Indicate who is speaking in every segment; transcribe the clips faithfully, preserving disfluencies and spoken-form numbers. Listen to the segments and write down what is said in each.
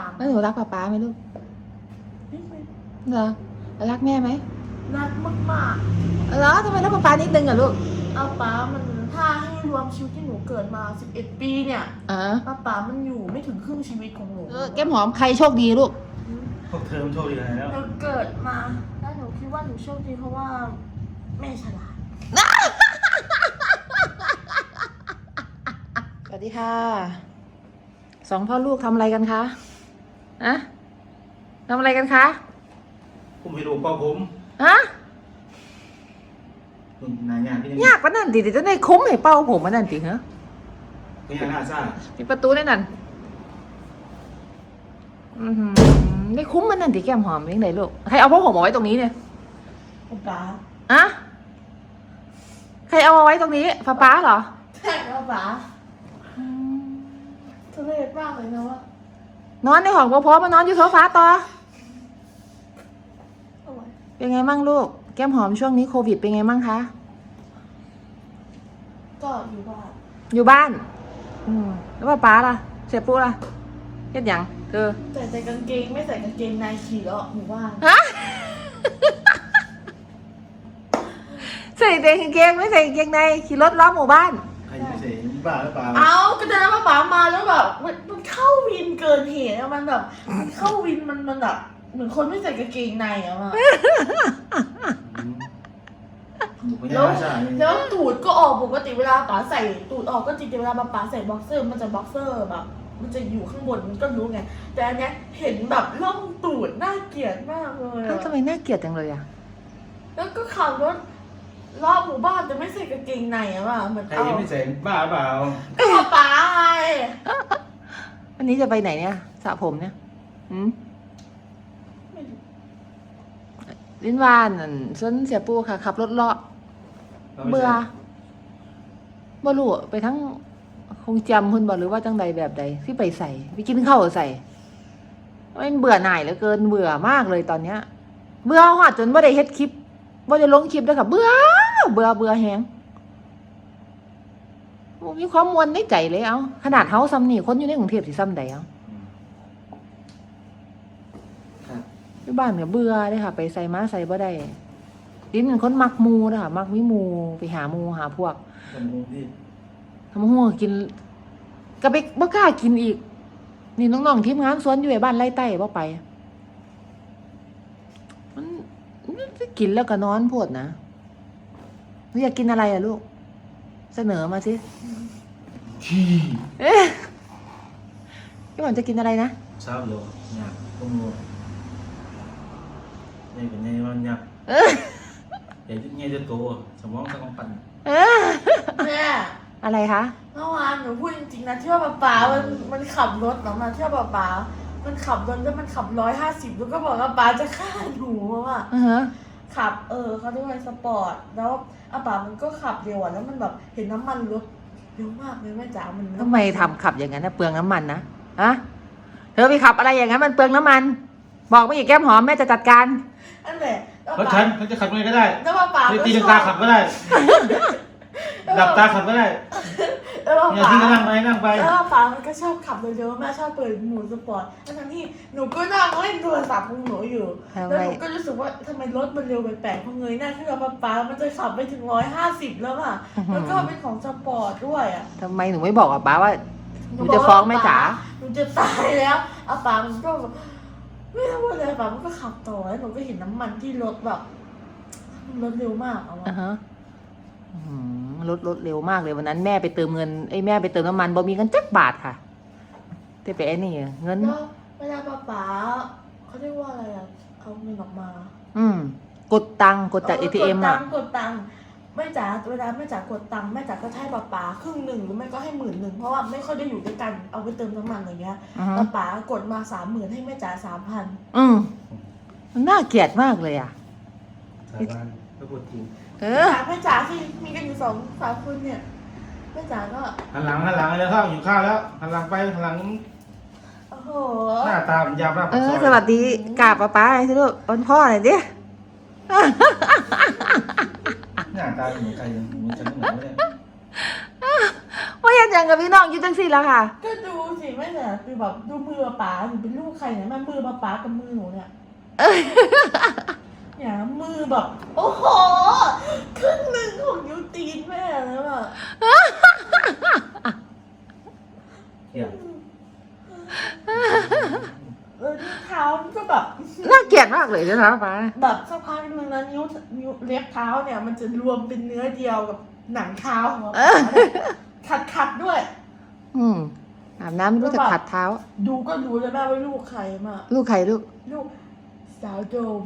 Speaker 1: แล้วหนูรักป๊าป๊าไหมลูก
Speaker 2: นิดนึง
Speaker 1: เหรอรักแม่ไหม
Speaker 2: รักมาก
Speaker 1: เหรอทำไมรักป๊าป๊านิดนึงอะลูก
Speaker 2: ๆเอาป๋ามันถ้าให้รวมชีวิตที่หนูเกิดมาสิบเอ็ดปีเนี่ย
Speaker 1: อ่า
Speaker 2: ป้าป๋ามันอยู่ไม่ถึงครึ่งชีวิตของหนู
Speaker 1: เออแก้มหอมใครโชคดีลูก
Speaker 3: พวกเธอมันโชคดีอะไรแล้ว
Speaker 2: หนูเกิดมาแล้วหนูคิดว่าหนูโชคดีเพราะว่าแม่ฉลาด
Speaker 1: สวัสดีค่ะสองพ่อลูกทำอะไรกันคะอะทำอะไรกันคะ
Speaker 3: ผมไปดูเป้าผม
Speaker 1: ฮะ
Speaker 3: คุณนายงานพี่ยัง
Speaker 1: ยากปะนั่นติเดี๋ยวจะได้คุ้มให้เป้าผมมานั่นติเหรอ
Speaker 3: พี่ยังน่าซ่า
Speaker 1: มีประตูแน่นั่นอือหือได้คุ้มมันนั่นติแก้มหอมยังไงลูกใครเอาพ่อผมเอาไว้ตรงนี้เนี่ย
Speaker 2: ป้าป๋า
Speaker 1: อะใครเอามาไว้ตรงนี้ป้าป๊าเหรอ
Speaker 2: ใช่ป้าป๋าทุเรศมากเลยนะว่าน
Speaker 1: อนในห้องพ่อๆมานอนอยู่โซฟาต่อ
Speaker 2: เอาไว้
Speaker 1: เป็นไงมั่งลูกแก้มหอมช่วงนี้โควิดเป็นไงมั่งคะ
Speaker 2: ก็อยู่บ้าน
Speaker 1: อยู่บ้าน อืมแล้วป้าป๊าล่ะ เสียปุ๊ล่ะเฮ็ดหยังเธอ
Speaker 2: ใส่แต่กางเกงไม่ใส่กางเกงในขี่เลาะหมู่บ้าน
Speaker 1: ฮะ ใส่แต่กางเกงไม่ใส่กางเกงในขี่รถล้อมหมู่บ้าน
Speaker 3: ใครจะไม่ใส่บ้าหรือเปล่า
Speaker 2: เอาก็จะได้ป้าป๋ามาแล้วแบบมันมันเข้าวินเกินเหตุอะมันแบบมันเข้าวินมันมันแบบเหมือนคนไม่ใส่กางเกงในอะมา
Speaker 3: หนูพี่ยัง
Speaker 2: แล้ว
Speaker 3: น่าซ่าเนี่ย
Speaker 2: แล้วตูดก็ออกปกติเวลาป๋าใส่ตูดออกก็จริงแต่เวลาป๋าใส่บ็อกเซอร์มันจะบ็อกเซอร์แบบ มันจะอยู่ข้างบนมันก็รู้ไงแต่อันเนี้ยเห็นแบบร่องตูดน่าเกลียดมากเลย
Speaker 1: เอ้า
Speaker 2: อะ
Speaker 1: ทำไมน่าเกลียดจังเลยอ่ะ
Speaker 2: แล้วก็ขับรถรอบหมู่บ้านแต่ไม่ใส่กางเกงในอะว่ะเหมือน
Speaker 3: ใคร
Speaker 2: เอา
Speaker 3: ยังไม่ใส่บ้าหรือเปล่า
Speaker 2: ก็ป๋าไง
Speaker 1: วันนี้จะไปไหนเนี่ยสระผมเนี่ยหืม
Speaker 2: ไม่รู้
Speaker 1: ลิ้นวานนั่นส้นเสียปูค่ะขับรถเลาะ เบื่อบ่รู้ไปทั้งคงจำคุณบอกหรือว่าจังใดแบบใดที่ไปใส่ไปกินข้าวใส่มันเบื่อหน่ายเหลือเกินเบื่อมากเลยตอนเนี้ย เบื่อหอดจนบ่ได้เฮ็ดคลิปบ่ได้ลงคลิปด้วยค่ะเบื่อเบื่อเบื่อแฮงมีความมวลในใจเลยเอาขนาดเฮาซ้ำนี่คนอยู่ในกรุงเทพสิซ้ำใดเอา
Speaker 3: ครับ
Speaker 1: ที่บ้านก็เบื่อเลยค่ะ ไปใส่มาใส่บ่ได้ลิ้นเป็นคนมักหมูนะคะมักวิมูไปหาหมูหาพวก
Speaker 3: คนกรุงเทพ
Speaker 1: ทำหัวกินก็ไปบ่กล้ากินอีก นี่น้องๆทีมงานสวนอยู่ไอ้บ้านไร่ใต้บ่ไป มันมันกินแล้วก็นอนโพดนะหนูอยากกินอะไรอะลูก เสนอมาสิ
Speaker 3: ขี้
Speaker 1: เอ๊ะพี่หวานจะกินอะไรนะ
Speaker 3: เช้าเดียวหยับพวกงูยังเป็นยังวันหยับ
Speaker 1: เออ
Speaker 3: ใหญ่จะใหญ่จะโตสมองสังกปั่น
Speaker 1: เออ
Speaker 2: แม่
Speaker 1: อะไรคะ
Speaker 2: เมื่อวานหนูพูดจริงๆนะที่ว่าป๊าป๋ามันมันขับรถเนาะมาที่ว่าป๊าป๋ามันขับรถแล้วมันขับร้อยห้าสิบแล้วก็บอกว่าป๊าจะฆ่าหนูอ่ะ
Speaker 1: อือฮะ
Speaker 2: ขับเออเขาเรียกว่าสปอร์ตแล้วอาป๋ามันก็ขับเร็วอ่ะแล้วมันแบบเห็นน้ำมันรถเร็วมากเลยแม่จ๋ามัน
Speaker 1: ทำไมทำขับอย่างนั้นนะเปลืองน้ำมันนะฮะเธอไปขับอะไรอย่างนั้นมันเปลืองน้ำมัน บอกมาอีกแก้มหอมแม่จะจัดการ
Speaker 2: นั่นแหละแล้ว
Speaker 3: เพราะ
Speaker 2: ป๋า
Speaker 3: ฉันเขาจะขับยังไงก็ได้
Speaker 2: แล้วป๊าป๋า
Speaker 3: จะ
Speaker 2: ก็
Speaker 3: ตี
Speaker 2: ช
Speaker 3: ลัง
Speaker 2: อก
Speaker 3: า
Speaker 2: บ
Speaker 3: ขับก็ได้
Speaker 2: แล้ว
Speaker 3: ดับตาขับก็ได้
Speaker 2: แล้ว
Speaker 3: อย่า
Speaker 2: ป๋า
Speaker 3: ทิ้งก็นั่งไปนั่งไป
Speaker 2: แล้วป๋ามันก็ชอบขับเร็วๆแม่ชอบเปิดหมูสปอร์ตทั้งที่หนูก็นั่งเล่นโทรศัพท์ของหนูอยู่
Speaker 1: ทำไม
Speaker 2: แล้วหนูก็รู้สึกว่าทำไมรถมันเร็วแปลกๆพอเงยหน้าขึ้นมาป๊าป๋ามันจะขับไปถึงร้อยห้าสิบแล้วอ่ะแล้วก็เป็นของสปอร์ตด้วยอ่ะ
Speaker 1: ทำไมหนูไม่บอกอ่ะป้าว่าหนูจะฟ้องแม่จ๋า
Speaker 2: หนูจะตายแล้วอาป๋ามันก็แบบไม่รู้ว่าอะไรป๋ามันก็ขับต่อแล้วหนูก็เห็นน้ำมันที่รถแบบมันรถเร็วมากเอา
Speaker 1: อ่า
Speaker 2: อะ
Speaker 1: ฮะอืมรถรถเร็วมากเลยวันนั้นแม่ไปเติมเงินไอ้แม่ไปเติมน้ำมันบ่มีเงินจักบาทค่ะแต่ไปไอ้นี่เงิน
Speaker 2: แล้วเวลาป๋าป๋าเขาเรียกว่าอะไรอะเอาเงินออกมา
Speaker 1: อืมกดตังค์กดจากเอทีเอ็ม
Speaker 2: กดตั
Speaker 1: อ่ะ
Speaker 2: งค์กดตังค์แม่จ๋าเวลาแม่จ๋ากดตังค์แม่จ๋าก็ให้ป๋าป๋าครึ่งหนึ่งหรือไม่ก็ให้หมื่นหนึ่งเพราะว่าไม่ค่อยได้อยู่ด้วยกันเอาไปเติมน้ำมันอย่างเงี้ย
Speaker 1: อือฮะ
Speaker 2: ป๋าป๋ากดมาสามหมื่นให้แม่จ๋าสามพัน
Speaker 1: อืมมันน่าเกลียดมากเลยอ่ะ
Speaker 3: สาบานก็พูดจริง
Speaker 1: เออ
Speaker 2: แม่จ๋าที่มีกันอยู่สองสามคนเนี่ยแม่จ๋าก็
Speaker 3: หันหลังหันหลังเลยข้าวอยู่ข้าวแล้วหันหลังไปหันหลัง
Speaker 2: โอ้โห
Speaker 3: หน้าตามันยาวหน้า
Speaker 1: เอ
Speaker 3: ปากซ
Speaker 1: อ
Speaker 3: อย
Speaker 1: สวัสดีกราบป้าป้าสิลูกอ้อนพ่อหน่อยดิ
Speaker 3: หน้าตาเหมือนใครเหมือนฉันเหมือนเนี่ย
Speaker 1: ว่าอยากดหยังกับพี่น้องอยู่จังซี่ล่ะค่ะ
Speaker 2: ก็ดูสิแม่เนี่ยคือแบบดูมือป๋าหนูเป็นลูกใครเนี่ยแม่มือป๋ากับมือหนูเนี่ยเนี่ยมือแบบโอ้โหครึ่งหนึ่งของนิ้วตีนแม่แล้วอะ
Speaker 3: เกี่ยว
Speaker 2: เออนิ้วเท้ามันก็แบบ
Speaker 1: น่าเกลียดมากเลยนะคะป้า
Speaker 2: แบบสักพักนึงนะนิ้วนิ้วเล็บเท้าเนี่ยมันจะรวมเป็นเนื้อเดียวกับหนังเท้าของเราขัดขัดๆด้วย
Speaker 1: อืมอาบน้ำไม่รู้จะขัดเท้า
Speaker 2: ดูก็รู้เลยแม่ว่าลูกใครมา
Speaker 1: ลูกใครลูก
Speaker 2: ลูกสาวโดม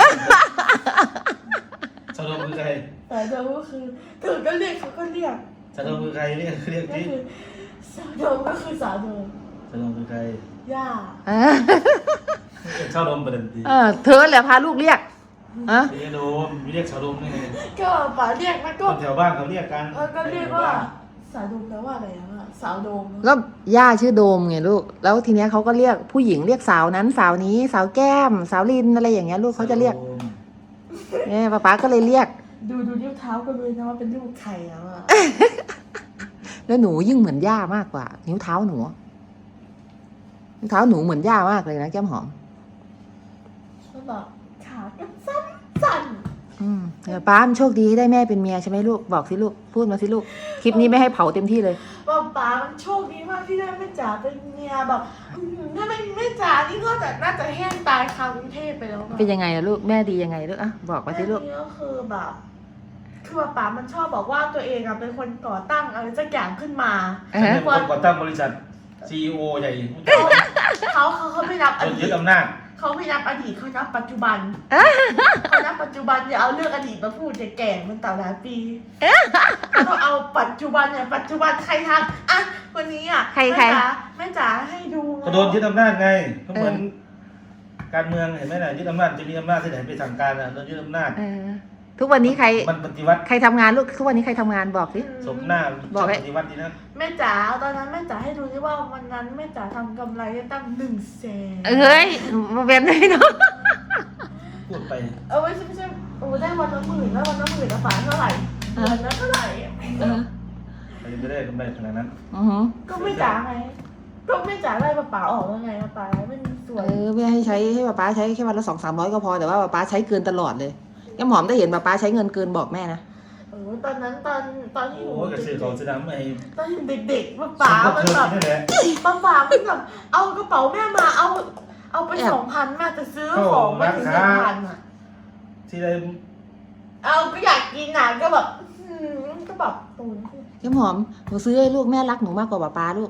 Speaker 3: สะดมคือใคร
Speaker 2: แต่โดมก็คือถึงก็เรียกเขาก็เรียก
Speaker 3: สะดมคือใครเรียกเรียก
Speaker 2: ก็
Speaker 3: ที่
Speaker 2: คือสาวโดมก็คือสาวโดม
Speaker 3: สะดมคือใคร
Speaker 2: ย่า
Speaker 1: เออ
Speaker 3: ชาวดมประเด็นดี
Speaker 1: เออเธอแหละพาลูกเรียกอะ
Speaker 3: เรียกโดมไม่เรียกชาวดมนี่ไง
Speaker 2: ก็ป๋าเรียกมัน
Speaker 3: ค
Speaker 2: ก็
Speaker 3: นแถวบ้านเขาเรียกกัน
Speaker 2: เออก็เรียกว่าสาวโดมแปลว่าอะไรอะสาวโดม
Speaker 1: ก็ย่าชื่อโดมไงลูกแล้วทีเนี้ยเขาก็เรียกผู้หญิงเรียกสาวนั้นสาวนี้สาวแก้ม สาวลินอะไรอย่างเงี้ยลูกเขาจะเรียกเนี่ยป้าป๊าก็เลยเรียก
Speaker 2: ดูดูนิ้วเท้าก็รู้นะว่าเป็นลูกใครแล้วอะ
Speaker 1: แล้วหนูยิ่งเหมือนย่ามากกว่า นิ้วเท้าหนูนิ้วเท้าหนูเหมือนย่ามากเลยนะแก้มหอม
Speaker 2: ก็แบบขาก็สั้นสั้น
Speaker 1: อืมเดี๋ยวป้ามันโชคดีที่ได้แม่เป็นเมียใช่ไหมลูกบอกสิลูกพูดมาสิลูกคลิปนี้ไม่ให้เผาเต็มที่เลย
Speaker 2: ว่าป๋ามันโชคดีมากที่ได้แม่จ๋าเป็นเมียแบบอื้อหือถ้าไม่มีแม่จ๋านี่ก็จะน่าจะแห้งตายคากรุงเทพไปแล้วอะ
Speaker 1: เป็นยังไงล่ะลูกแม่ดียังไงลูกอ่ะบอกมาสิลูก
Speaker 2: แม่นี่ก็คือแบบคือว่าป๋ามันชอบบอกว่าตัวเองอะเป็นคนก่อตั้งอะไรสักอย่างขึ้นมา
Speaker 1: เอ
Speaker 3: ฉัน
Speaker 1: อ
Speaker 3: เป็นคนก่อตั้งบริษัท ซี อี โอ ใหญ่
Speaker 2: เขาเขาเขาไม่นับอ
Speaker 3: จน
Speaker 2: ดี
Speaker 3: ยึ
Speaker 2: ต
Speaker 3: ดอำนาจ
Speaker 2: เขาไม่นับอดีตเขานับปัจจุบันเขานับปัจจุบันอย่าเอาเรื่องอดีตมาพูดจะแก่มันต่อหลายปีเขาเอาปัจจุบันเนี่ยปัจจุบันใครทำอ่ะวันนี้อ่ะ
Speaker 1: ใคร
Speaker 2: แม่
Speaker 1: ใคร
Speaker 2: จ๋าแม่จ๋าให้ดู
Speaker 3: ก็โดนยึดอำนาจไงก็เหมือนการเมืองเห็นไหมน่ะยึดอำนาจจะมีอำนาจที่ไหนไปสั่งการน่ะโดนยึดอำนาจ
Speaker 1: เออทุกวันนี้ใคร
Speaker 3: มันปฏิวัติ
Speaker 1: ใครทำงานลูกทุกวันนี้ใครทำงานบอกสิ
Speaker 3: สมหน้า
Speaker 1: บอกให้
Speaker 3: ปฏิวัติดีนะ
Speaker 2: แม่จ๋าตอนนั้นแม่จ๋าให้ดูที่ว่าวันนั้นแม่จ๋าทำกำไรได้ตั้งหนึ่งแสน
Speaker 1: เอ้ยมาเป็นไงเนาะ
Speaker 3: พูดไป
Speaker 2: เออไม่ใช่ไม่ใช่โอ้ได้วันละหมื่นแล้ววันละหมื่นละฝาเท่าไหร่เดือนละเท่าไหร่
Speaker 1: เออ
Speaker 3: ใครจะไปได้กำไรขนาดนั้น
Speaker 1: อือหือ
Speaker 2: ก็ไม่จ๋าไงก็ไม่จ๋าไล่ป้าป๋าออกแล้วไงป้าป๋าไม่มีส่ว
Speaker 1: เอน อไม่ให้ใช้ให้ป้าป๊าใช้แค่วันละสองสามร้อยก็พอแต่ว่าป้าป๊าใช้เกินตลอดเลยแก้มหอมได้เห็นป้าป๊าใช้เงินเกินบอกแม่นะ
Speaker 2: เออตอนนั้นตอนตอนที่หนู
Speaker 3: โอ้ยกระสือเขาสนามไอ้
Speaker 2: ตอนเด็กๆป้าป๋า
Speaker 3: สม
Speaker 2: มัน
Speaker 3: เธอ
Speaker 2: แบบ
Speaker 3: นี่แหละ
Speaker 2: ป้าป๋ามันแบบเอากระเป๋าแม่มาเอา เอาไปสองพันแม่จะซื้อของมาถึงสองพันอ่ะ
Speaker 3: ที่ใด
Speaker 2: เอาก็อยากกินอ่ะก็แบบอืมก็แบบตูน
Speaker 1: แก้มหอมหนูซื้อให้ลูกแม่รักหนูมากกว่าป้าป๊าลูก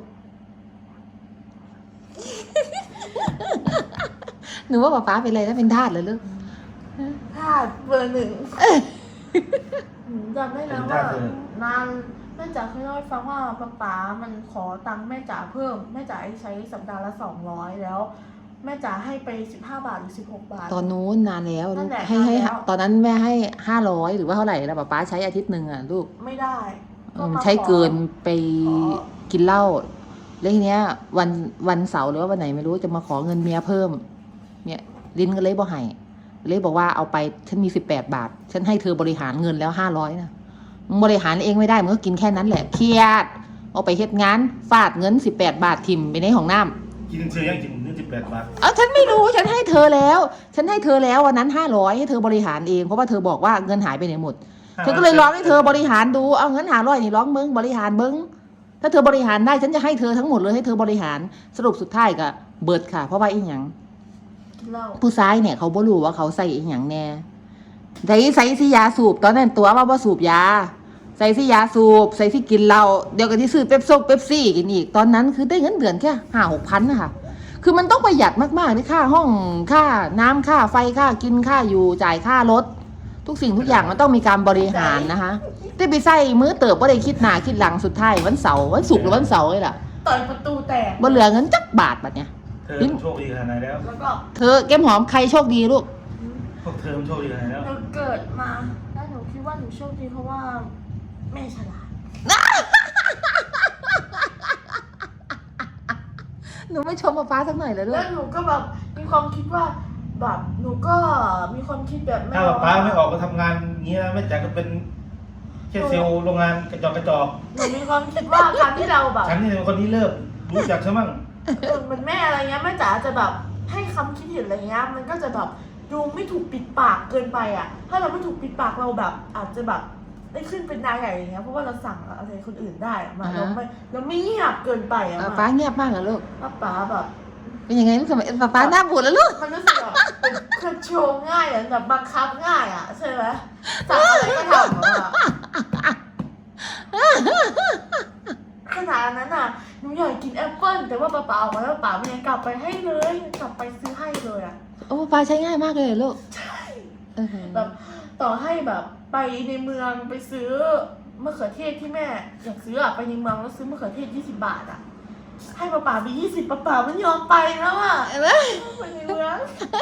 Speaker 1: หนูว่าป้าป๊าเป็นอะไรนะเป็นทาสเหรอลูก
Speaker 2: พลาดเบอร์หนึ่งหนูจำได้นะว่านานแม่จ๋าเคยเล่าให้ฟังว่าป๊าป๋ามันขอตังค์แม่จ๋าเพิ่มแม่จ๋าให้ใช้สัปดาห์ละสองร้อยแล้ว แม่จ๋าให้ไปสิบห้าบาทหรือสิบหกบาท
Speaker 1: ตอนนู้นนานแล้ว
Speaker 2: นั่
Speaker 1: ลูก
Speaker 2: นแหละ
Speaker 1: ให้ให้
Speaker 2: นานแล้ว
Speaker 1: ตอนนั้นแม่ให้ห้าร้อยหรือว่าเท่าไหร่แล้วป้าป๊าใช้อาทิตย์หนึ่งอ่ะลูก
Speaker 2: ไม่ได้
Speaker 1: เออใช้เกินไป
Speaker 2: ขอ
Speaker 1: กินเหล้าแล้วทีเนี้ยวันวันเสาร์หรือว่าวันไหนไม่รู้จะมาขอเงินเมียเพิ่ม เนี่ยลินก็เลยบอกให้เลยบอกว่าเอาไปฉันมีสิบแปดบาท ฉันให้เธอบริหารเงินแล้วห้าร้อยนะมึงบริหารเองไม่ได้มึงก็กินแค่นั้นแหละเครียดเอาไปเฮ็ดงานฟาดเงินสิบแปดบาททิมไปในห้องน้ำ
Speaker 3: กินเชียยังกินเงินสิบแปดบาท
Speaker 1: เอาฉันไม่รู้ฉันให้เธอแล้ว ฉันให้เธอแล้ววันนั้นห้าร้อยให้เธอบริหารเองเพราะว่าเธอบอกว่าเงินหายไปไหนหมด เธอก็เลยร้องให้เธอบริหารดูเอาเงินหาร้อยนี่ร้องมึงบริหารมึงถ้าเธอบริหารได้ฉันจะให้เธอทั้งหมดเลยให้เธอบริหารสรุปสุดท้ายก็เบิดค่ะ เพราะว่าอีหยัง
Speaker 2: กินเหล้า
Speaker 1: ผู้ชายเนี่ยเขาบ่รู้ว่าเขาใส่อีหยังแน่ใส่ใส่สิยาสูบตอนนั้นตัวว่าบ่สูบยาใส่สิยาสูบใส่สิกินเหล้าเดี๋ยวก็ที่ซื้อเป๊ปซงเป๊ปซี่กินอีกตอนนั้นคือได้เงินเดือนแค่ห้าหกพันนะคะคือมันต้องประหยัดมากๆที่ค่าห้องค่าน้ำค่าไฟค่ากินค่าอยู่จ่ายค่ารถทุกสิ่งทุกอย่างมันต้องมีการบริหารนะคะได้ไปใส่มือเติบว่าได้คิดหน้าคิดหลังสุดท้ายวันเสาร์วันศุกร์หรือวันเสาร์เลยล่ะ
Speaker 2: ต่อยประตูแตก
Speaker 1: บ่เหลือเงินจักบาทบัดเนี่ย
Speaker 3: เธอโชคดีขนาดไหนแล้ว
Speaker 2: แล้วก็
Speaker 1: เธอแก้มหอมใครโชคดีลูก
Speaker 3: พวกเธอมันโชคดีขนาดไหนแล้ว
Speaker 2: หนูเกิดมาแล้วหนูคิดว่าหนูโชคดีเพราะว่าแม่ฉลาด
Speaker 1: หนูไม่ชมป้าฟ้าสักหน่อยเลยลู
Speaker 2: แล้
Speaker 1: ก
Speaker 2: วหนูก็แบบมีความคิดว่าแบบหนูก็มีความคิดแบบแม่
Speaker 3: ถ้าป้าไม่ออกมาทำงานอย่างนี้นะแม่จ๋าก็เป็นแคค่เซลล์โรงงานกระจอกกระจอก
Speaker 2: หนูมีความคิดว่าการที่เราแบบ
Speaker 3: ฉันนี่เป็นคนนี้เริ่มรู้จักใช่มั้ง
Speaker 2: เออเหมือนแม่อะไรเงี้ยแม่จ๋าจะแบบให้คำคิดเห็นอะไรเงี้ยมันก็จะแบบดูไม่ถูกปิดปากเกินไปอ่ะ ถ้าเราไม่ถูกปิดปากเราแบบ อาจจะแบบได้ขึ้นเป็นนายใหญ่อย่างเงี้ยเพราะว่าเราสั่งอะไรคนอื่นได้อะมาเราไม่เราไม่เงียบเกินไปอะ
Speaker 1: ป้า
Speaker 2: มา
Speaker 1: ป้าเงียบมากเหรอลูก
Speaker 2: ป้าป๋าแบบ
Speaker 1: เป็นยังไงลูกทำไมป้าป้าหน้าบูดแล้วลูก
Speaker 2: มันรู้สึกแบบเป็นคอนโทรลง่ายอะแบบบังคับง่ายอ่ะใช่ไหมสั่งอะไรก็ทำอะขนาดนั้นอ่ะหนูอยากกินแอปเปิ้ลแต่ว่าป้าป๋าออกมาแล้วป้ามันยังกลับไปให้เลยกลับไปซื้อให้เลยอ่ะ
Speaker 1: โอ้ป้าใช้ง่ายมากเลยเหรอลูก
Speaker 2: ใช่
Speaker 1: เออ
Speaker 2: แบบต่อให้แบบไปในเมืองไปซื้อมะเขือเทศที่แม่อยากซื้ออะไปในเมืองแล้วซื้อมะเขือเทศยี่สิบบาทอ่ะให้ป้าป๋าไปยี่สิบป้าป๋ามันยอมไปแล้วอ่ะ
Speaker 1: เห็นไหม
Speaker 2: ไปในเมือง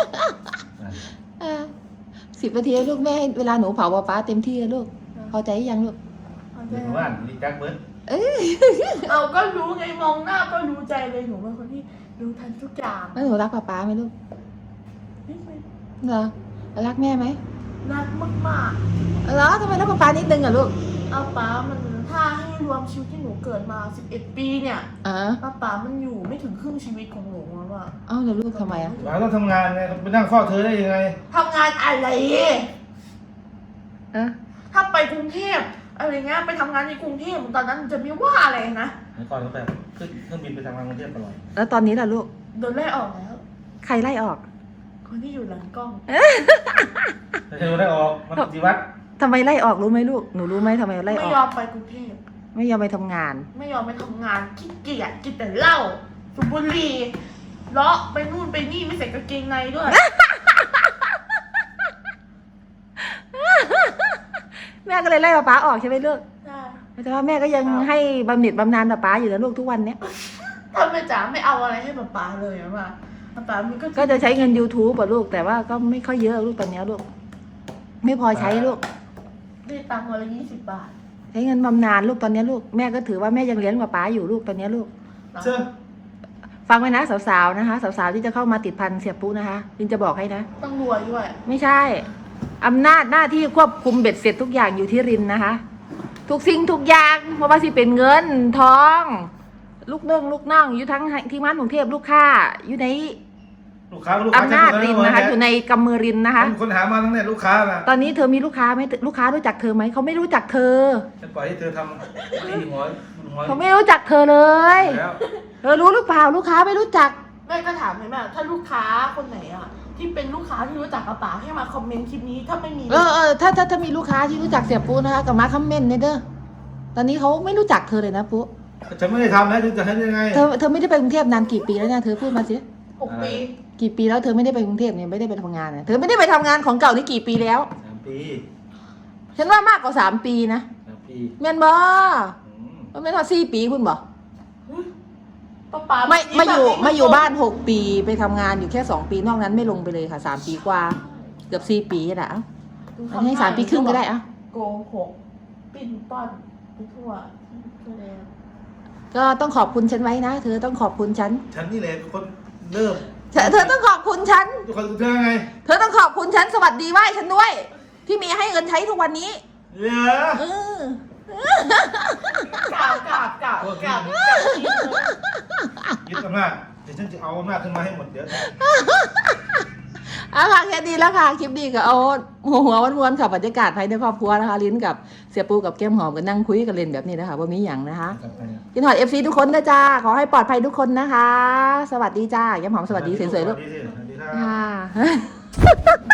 Speaker 1: สิบนาทีให้ลูกแม่ให้เวลาหนูเผาป้าป้าเต็มที่เลยลูกพอใจยังลูก
Speaker 3: เดี๋ยวว่านรีจักเบิร์ด
Speaker 2: เอาก็รู้ไงมองหน้าก็รู้ใจเลยหนูเป็นคนที่รู้ทันทุกอย่าง
Speaker 1: แล้วหนูรักป้าป้าไหมลูก
Speaker 2: นี่เป็น
Speaker 1: เหรอรักแม่ไหม
Speaker 2: รักมาก
Speaker 1: เหรอทำไมรักป้าป้านิดนึงอะลูก
Speaker 2: ๆเอาป๋ามันถ้าให้รวมชีวิตที่หนูเกิดมาสิบเอ็ดปีเนี่ย
Speaker 1: อ๋อ
Speaker 2: ป้าป๋ามันอยู่ไม่ถึงครึ่งชีวิตของหนูแล้วอะ
Speaker 1: เอ้าแล้วลูกทำไมอะ
Speaker 3: หลานต้องทำงานไงไปนั่งเฝ้าเธอได้ยังไง
Speaker 2: ทำงานอะไร
Speaker 1: เอะ
Speaker 2: ถ้าไปกรุงเทพอะไรเงี้ยไปทำงานในกรุงเทพตอนนั้นจะไม่ว่าอะไรนะ
Speaker 3: เมื่อก่อนก็แบบขึ้นเครื่องบินไปทำงานกรุงเทพตลอด
Speaker 1: แล้วตอนนี้ล่ะลูก
Speaker 2: โดนไล่ออกแล้ว
Speaker 1: ใครไล่ออก
Speaker 2: คนที่อยู่หลังกล้อง
Speaker 3: แต่เธอได้ออกมันปฏิวัติ
Speaker 1: ทำไมไล่ออกรู้ไหมลูก หนูรู้ไหมทำไมไล่
Speaker 2: ไม่
Speaker 1: ออก
Speaker 2: ยอมไปกรุงเทพ
Speaker 1: ไม่ยอมไปทำงาน
Speaker 2: ไม่ยอมไปทำงานขี้เกียจกินแต่เหล้าสูบบุหรี่เลาะไปนู่นไปนี่ไม่ใส่กางเกงในด้วย
Speaker 1: แม่ก็เลยไล่ป้าป้าออกใช่ไหมลูก
Speaker 2: ใช่
Speaker 1: แต่ว่าแม่ก็ยังให้บำเหน็จบำนาญป้าป้าอยู่นะลูกทุกวันเนี้ย
Speaker 2: ถ้าแม่จ๋าไม่เอาอะไรให้ป๊าป๊าเลยอะว่าป๊าป๊ามันก็
Speaker 1: ก็จะใช้เงิน YouTube ป่ะลูก แต่ว่าก็ไม่ค่อยเยอะลูกตอนเนี้ยลูก ไม่พอใช้ลูก
Speaker 2: ได้ตังค์วันละยี่สิบบาท
Speaker 1: ใช้เงินบำนาญลูกตอนเนี้ยลูก แม่ก็ถือว่าแม่ยังเลี้ยงป้าป้าอยู่ลูกตอนเนี้ยลูก
Speaker 3: เชื่อ
Speaker 1: ฟังไว้นะสาวๆนะคะสาวๆที่จะเข้ามาติดพันเสียปุ๊นะคะลินจะบอกให้นะ
Speaker 2: ต้องรวยด้วย
Speaker 1: ไม่ใช่อำนาจหน้าที่ควบคุมเบ็ดเสร็จทุกอย่างอยู่ที่รินนะคะ ทุกสิ่งทุกอย่างเพราะว่าสิเป็นเงินทอง ลูกเนื่องลูกน่องอยู่ทั้งที่มันกรุงเทพลูกค้าอยู่ใน
Speaker 3: ลูกค้าลูกค้า
Speaker 1: อำนาจรินนะคะ อยู่ในกำมือรินนะคะ
Speaker 3: คนหามาทั้งเนี่ยลูกค้าน่ะ
Speaker 1: ตอนนี้เธอมีลูกค้าไหมลูกค้ารู้จักเธอไหมเขาไม่รู้จักเธอ
Speaker 3: จะปล่อยให้เธอทำตีหัวหัว
Speaker 1: เขาไม่รู้จักเธอเลย
Speaker 3: แล้ว
Speaker 1: เธอรู้หรือเปล่าลูกค้าไม่รู้จัก
Speaker 2: แม่ก็ถามเลยแม่ถ้าลูกค้าคนไหนอะที่เป็นลูกค้าที่รู้จักป๊าป๊าให้มาคอมเมนต์คลิปนี้ถ้าไม่มี
Speaker 1: เออเออถ้าถ้าถ้ามีลูกค้าที่รู้จักเสียปูนะคะกับมาคอมเมนต์เนี่ยเด้อตอนนี้เขาไม่รู้จักเธอเลยนะปุ๊
Speaker 3: ฉันไม่ได้ทำแล้วจะให้ยังไง
Speaker 1: เธอเธอไม่ได้ไปกรุงเทพนานกี่ปีแล้วเนี่ยเธอพูดมาสิ
Speaker 2: หกปี
Speaker 1: กี่ปีแล้วเธอไม่ได้ไปกรุงเทพเนี่ยไม่ได้ไปทำงานเนี่ยเธอไม่ได้ไปทำงานของเก่านี่กี่ปีแล้ว
Speaker 3: สามปี
Speaker 1: ฉันว่ามากกว่าสามปีนะ
Speaker 3: สามปี
Speaker 1: แม่นบ่
Speaker 3: อืม
Speaker 1: มันไม่เท่าสี่ปีคุณบ่
Speaker 2: ป๊าป๊า
Speaker 1: ไม่มาอยู่
Speaker 2: แบบนี้
Speaker 1: มาอยู่บ้านหกปีไปทำงานอยู่แค่สองปีนอกนั้นไม่ลงไปเลยค่ะสามปีกว่าเกือบสี่ปีแหละเอ้าอันนี้ให้สามปีครึ่งก็ได้เอ่ะ
Speaker 2: โกหกปิ้นป้อนไปทั่วทั่วแล้ว
Speaker 1: ก็ต้องขอบคุณฉันไว้นะ เธอต้องขอบคุณฉัน
Speaker 3: ฉันนี่แหละเป็นคนเริ่ม
Speaker 1: เธอเธอต้องขอบคุณฉัน
Speaker 3: ทุกคนเธอไง
Speaker 1: เธอต้องขอบคุณฉันสวัสดีไหว้ฉันด้วย ที่มีให้เงินใช้ทุกวันนี้
Speaker 3: เหรอ
Speaker 1: เออ
Speaker 2: กราบกราบกราบกราบ
Speaker 3: ยึดอำนาจเดี๋ยวฉันจะเอาอำนาจขึ้นมาให้หมดเดี๋ยว
Speaker 1: เอาค่ะแค่ดีแล้วค่ะคลิปดีก็เอาหัวหัววนๆค่ะบรรยากาศภายในครอบครัวนะคะลิ้นกับเสียปูกับแก้มหอมกันนั่งคุยกันเล่นแบบนี้นะคะว่ามีอย่างนะคะกินหอดเอฟซีทุกคนนะจ้าขอให้ปลอดภัยทุกคนนะคะ สวัสดีจ้าแก้มหอมสวัสดีสวยๆลูก
Speaker 3: สวัสดีสิสวัสดีครับ
Speaker 1: ค่ะ